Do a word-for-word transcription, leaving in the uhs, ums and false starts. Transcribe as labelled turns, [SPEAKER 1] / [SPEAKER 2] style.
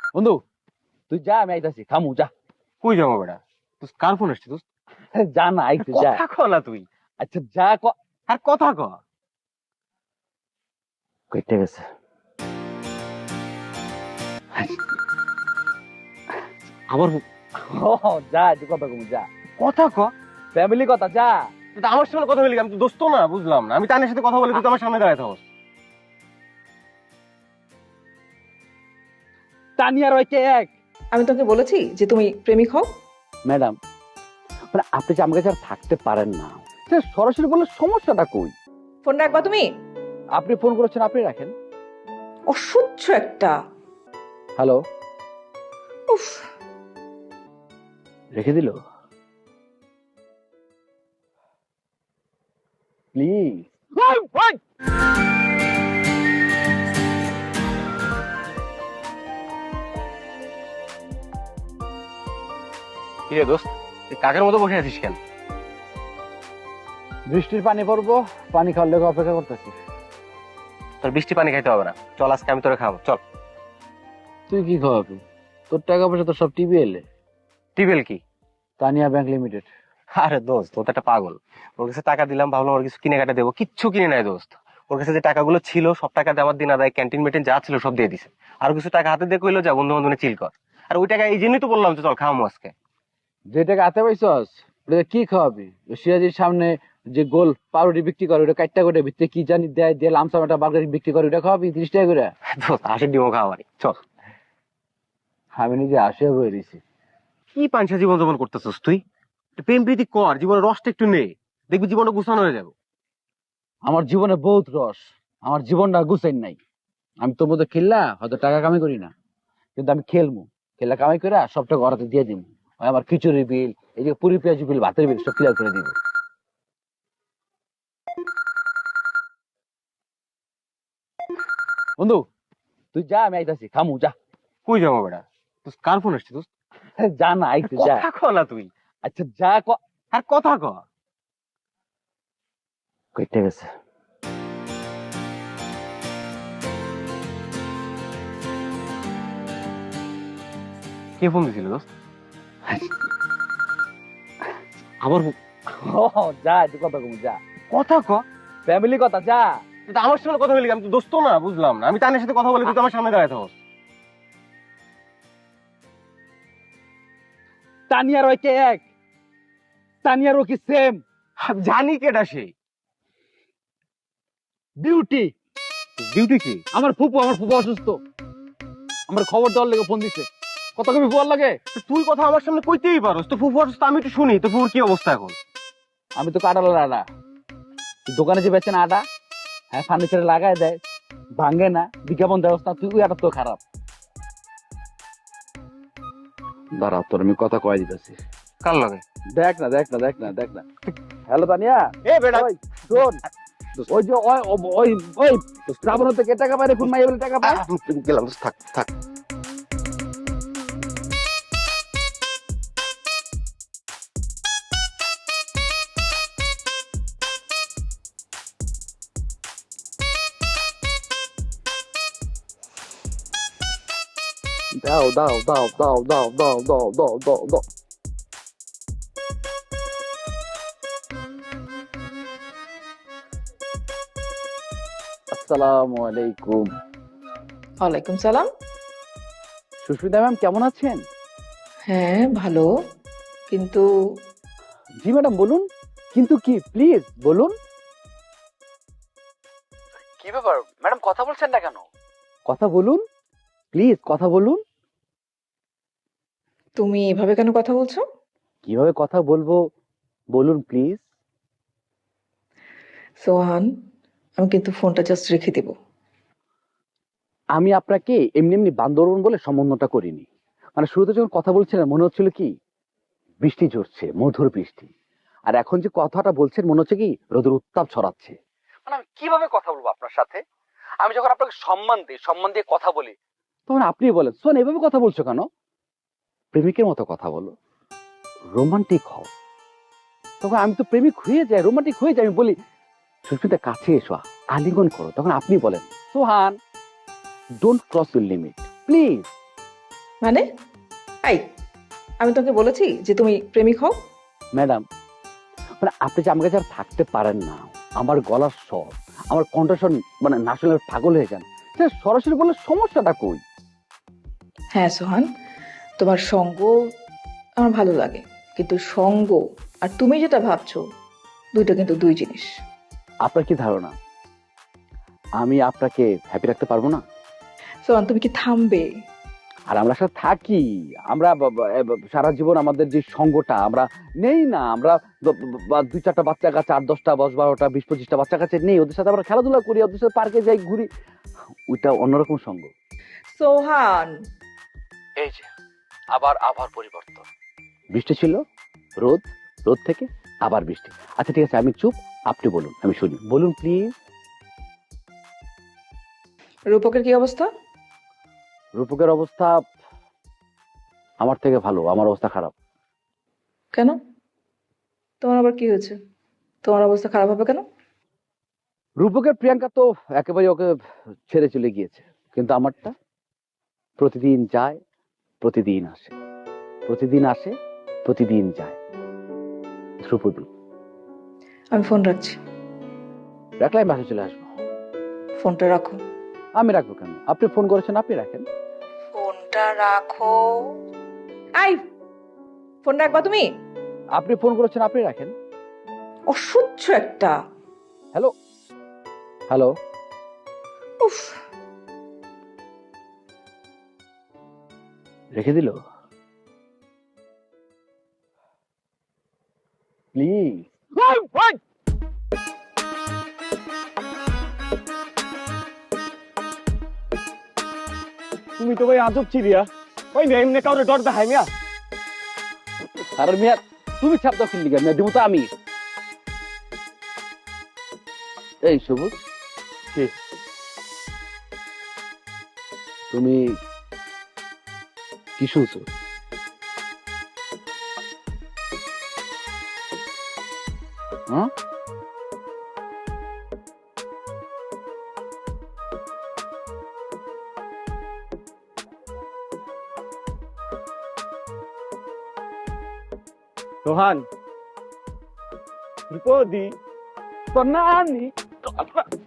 [SPEAKER 1] বন্ধু তুই যা, আমি আইতাছি, খামু যা।
[SPEAKER 2] কই যাবো বেটা? তুই কার ফোন আসছিস? দোস্ত
[SPEAKER 1] যা না, আইতে যা।
[SPEAKER 2] কথা ক না তুই।
[SPEAKER 1] আচ্ছা যা ক।
[SPEAKER 2] আর কথা ক।
[SPEAKER 1] কেটে গেছে।
[SPEAKER 2] আবার
[SPEAKER 1] ও যা, তুই কথা কমু যা।
[SPEAKER 2] কথা ক।
[SPEAKER 1] ফ্যামিলি কথা, যা।
[SPEAKER 2] তুই তো আমার সামনে কথা বলি, আমি তো দোস্ত না, বুঝলাম না। আমি তানের সাথে কথা বলি, তুই তো আমার সামনে দাঁড়ায় থাকস।
[SPEAKER 1] তানিয়া রয় কে এক।
[SPEAKER 3] আমি তোকে বলেছি যে তুমি প্রেমিক হও।
[SPEAKER 1] ম্যাডাম, মানে আপনি যে আমার কাছে আর থাকতে পারেন না, সে সরাসরি বললে সমস্যাটা কই?
[SPEAKER 3] ফোন রাখবা তুমি।
[SPEAKER 1] আপনি ফোন করেছেন, আপনি রাখেন।
[SPEAKER 3] অসহ্য একটা।
[SPEAKER 1] হ্যালো।
[SPEAKER 3] উফ।
[SPEAKER 1] রেখে দিল। প্লিজ।
[SPEAKER 2] কি রে দোস্ত, তুই কাকের মতো বসে আছিস কেন?
[SPEAKER 1] বৃষ্টির পানি পড়বো, পানি খাওয়ার লেগে অপেক্ষা করতেছি।
[SPEAKER 2] তোর বৃষ্টি পানি খাইতে হবে না, চল আজকে আমি তোরে খাবো, চল।
[SPEAKER 1] তুই কি খাওয়াবি? তোর টাকা পয়সা তো সব টিভি এলে।
[SPEAKER 2] টিবেল কি?
[SPEAKER 1] Tania bank limited.
[SPEAKER 2] আরে দোস্ত, ও তো একটা পাগল। ওর কাছে টাকা দিলাম, ভাবলাম ওর কিছু কিনে কাটা দেবো, কিচ্ছু কিনে নাই দোস্ত। ওর কাছে যে টাকাগুলো ছিল সব টাকা দেওয়ার দিন আদায়, ক্যান্টিন মেটিন যা ছিল সব দিয়ে দিছে। আর কিছু টাকা হাতে দিয়ে কইলো যা বন্ধু বান্ধব চিল কর। আর ওই টাকা এই জন্যই তো বললাম যে চল খাওয়ামো আজকে।
[SPEAKER 1] যে টাকা হাতে পাইছস ওটা কি খাওয়াবি? ওই সিরাজির সামনে যে গোল পাউরুটি বিক্রি করে, ওটা কাটটা করে ভিতরে কি জানি দেয়, দিয়ে লামসাম একটা বার্গার বিক্রি করে, ওটা খাওয়াবি তিরিশ টাকা করে?
[SPEAKER 2] দোস্ত হাসির ডিমও খাওয়াবারি, চল।
[SPEAKER 1] আমি নিজে আসিয়া বয়ে দিছি।
[SPEAKER 2] কি পাঞ্চা জীবন যাপন করতেছিস তুই? একটু প্রেম প্রীতি কর, জীবনের রসটা একটু নে, দেখবি জীবনটা গুছানো হয়ে যাবে।
[SPEAKER 1] আমার জীবনে বহুত রস, আমার জীবনটা গুছাইন নাই। আমি তোর মতো খেললা হয়তো টাকা কামাই করি না, কিন্তু আমি খেলবো, খেলা কামাই করে সবটা ঘরাতে দিয়ে দিব। আমার খিচুড়ি বিল, এই যে পুরি পেঁয়াজ বিল, ভাতের বিল সব ক্লিয়ার করে দিব। বন্ধু তুই যা, আমি আইতাছি, খামু যা।
[SPEAKER 2] কই যাবো বেটা? তুই কার ফোন আসছিস? দোস্ত
[SPEAKER 1] যা না, আইতে যা।
[SPEAKER 2] কথা ক না তুই।
[SPEAKER 1] আচ্ছা যা ক।
[SPEAKER 2] আর কথা ক।
[SPEAKER 1] কেটে গেছে।
[SPEAKER 2] কে ফোন দিছিল দোস্ত? আবার
[SPEAKER 1] ও যা, তুই কথা কমু যা।
[SPEAKER 2] কথা ক।
[SPEAKER 1] ফ্যামিলি কথা, যা।
[SPEAKER 2] তুই তো আমার সামনে কথা বলি, আমি তো দোস্ত না, বুঝলাম না। আমি তানের সাথে কথা বলি, তুই তো আমার সামনে দাঁড়ায় থাকস।
[SPEAKER 1] তানিয়া রয় কে এক, তানিয়া রো কি সেম?
[SPEAKER 2] জানি কেডা সে।
[SPEAKER 1] বিউটি।
[SPEAKER 2] ডিউটি কি?
[SPEAKER 1] আমার ফুপু, আমার ফুপু অসুস্থ, আমার খবর দেওয়ার লেগে ফোন দিছে। কত কবি ফুয়ার লাগে?
[SPEAKER 2] তুই কথা আমার সামনে কইতেই পারোস, তো ফুফু অসুস্থ, আমি একটু শুনি তো ফুফুর কি অবস্থা এখন।
[SPEAKER 1] আমি তো কাটালার আটা, দোকানে যে বেচেন আটা, হ্যাঁ ফার্নিচারে লাগায় দেয়, ভাঙে না, বিজ্ঞাপন দেওয়া না, তুই ওই আটা তো খারাপ। দাঁড়া, তোর আমি কথা কয়ে দিতেছি।
[SPEAKER 2] কার লাগে?
[SPEAKER 1] দেখ না, দেখ না, দেখ না, দেখ না। হ্যালো তানিয়া।
[SPEAKER 2] এ বেটা,
[SPEAKER 1] ওই শোন, ওই যে ওই ওই ওই শ্রাবণ থেকে টাকা পায়, কোন মাইয়া বলে টাকা পায়?
[SPEAKER 2] আমি গেলাম, থাক থাক।
[SPEAKER 1] দাও দাও দাও দাও দাও দাও দাও দাও দাও দাও। আসসালামু আলাইকুম।
[SPEAKER 3] ওয়ালাইকুম সালাম।
[SPEAKER 1] সুস্মিতা ম্যাম কেমন আছেন?
[SPEAKER 3] হ্যাঁ ভালো, কিন্তু
[SPEAKER 1] জি ম্যাডাম বলুন। কিন্তু কি, প্লিজ বলুন। কি ব্যাপার ম্যাডাম, কথা বলছেন না কেন? কথা বলুন প্লিজ, কথা বলুন।
[SPEAKER 3] তুমি এভাবে কেন কথা বলছো?
[SPEAKER 1] কিভাবে কথা বলবো বলুন প্লিজ।
[SPEAKER 3] সোহান, আমি কিন্তু ফোনটা জাস্ট রেখে দিব।
[SPEAKER 1] আমি আপনাকে এমনি এমনি বান্দরবন বলে সম্বন্ধটা করিনি। মানে শুরুতে যখন কথা বলছিলেন মনে হচ্ছিল কি বৃষ্টি ঝরছে, মধুর বৃষ্টি। আর এখন যে কথাটা বলছেন মনে হচ্ছে কি রোদের উত্তাপ ছড়াচ্ছে। মানে আমি কিভাবে কথা বলবো আপনার সাথে? আমি যখন আপনাকে সম্মান দিই, সম্মান দিয়ে কথা বলি, তখন আপনি বলেন শোন এভাবে কথা বলছো কেন? প্রেমিকের মতো কথা বলো, রোমান্টিক হও। তখন আমি তো প্রেমিক হয়ে যাই, রোমান্টিক হয়ে যাই। আমি বলি সুস্মিতা কাছে এসো, আলিঙ্গন করো। তখন আপনি বলেন Sohan don't cross your limit please.
[SPEAKER 3] মানে এই, আমি তোকে বলেছি যে তুমি প্রেমিক হও?
[SPEAKER 1] ম্যাডাম, মানে আপনি যে আমার কাছে আর থাকতে পারেন না, আমার গলার স্বর, আমার কণ্ঠস্বর মানে নাচনের পাগল হয়ে যান, সে সরাসরি বললে সমস্যাটা কই?
[SPEAKER 3] হ্যাঁ সোহান, তোমার সঙ্গ আমার ভালো লাগে, কিন্তু সঙ্গ আর তুমি যেটা ভাবছো দুইটা কিন্তু দুই জিনিস।
[SPEAKER 1] আপনার কি ধারণা আমি আপনাকে হ্যাপি রাখতে পারবো না?
[SPEAKER 3] সোহান তুমি কি থামবে?
[SPEAKER 1] আর আমরা সাথে থাকি, আমরা ব- ব- এ ব- সারা জীবন আমাদের যে সঙ্গটা আমরা নেই না, আমরা ব- ব- বা দুই চারটা বাচ্চা কাছে, আট দশটা দশ বারোটা বিশ পঁচিশটা বাচ্চা কাছে নেই, ওদের সাথে আমরা খেলাধুলা করি, ওদের সাথে পার্কে যাই, ঘুরি, ওইটা অন্যরকম সঙ্গ।
[SPEAKER 3] সোহান,
[SPEAKER 1] এই যে আবার আবার পরিবর্তন, বৃষ্টি ছিল, রোদ, রোদ থেকে আবার বৃষ্টি। আচ্ছা ঠিক আছে, আমি চুপ, আপনি বলুন, আমি শুনি, বলুন প্লিজ।
[SPEAKER 3] রূপকের কি অবস্থা?
[SPEAKER 1] রূপকের অবস্থা আমার থেকে ভালো, আমার অবস্থা খারাপ।
[SPEAKER 3] কেন? তোমার আবার কি হয়েছে? তোমার অবস্থা খারাপ হবে কেন?
[SPEAKER 1] রূপকের প্রিয়াঙ্কা তো একেবারে ওকে ছেড়ে চলে গিয়েছে, কিন্তু আমারটা প্রতিদিন যায়, প্রতিদিন আসে, প্রতিদিন আসে, প্রতিদিন যায়। ধ্রুপদী।
[SPEAKER 3] আমি ফোন রাখছি।
[SPEAKER 1] রাখলে আমি বাসায় চলে আসবো।
[SPEAKER 3] ফোনটা রাখো।
[SPEAKER 1] আমি রাখবো কেন? আপনি ফোন করেছেন, আপনি রাখেন।
[SPEAKER 3] ফোনটা রাখো। আই, ফোন রাখবা তুমি?
[SPEAKER 1] আপনি ফোন করেছেন, আপনি রাখেন।
[SPEAKER 3] অসহ্য একটা।
[SPEAKER 1] Hello, hello.
[SPEAKER 3] উফ।
[SPEAKER 1] রেখে দিল প্লিজ।
[SPEAKER 4] তুমি তো ভাই আজব চিড়িয়া। ওই মেয়ে এমনি কাউরে ডর দেখাই মিয়া।
[SPEAKER 1] আর মিয়া তুমি ছাপ দাও কিনলি কেন? দিব তো আমি। এই সবুজ,
[SPEAKER 4] কি?
[SPEAKER 1] তুমি কি শুনছো? হ্যাঁ,
[SPEAKER 4] সোহান, বিপদি,
[SPEAKER 1] তো না আনি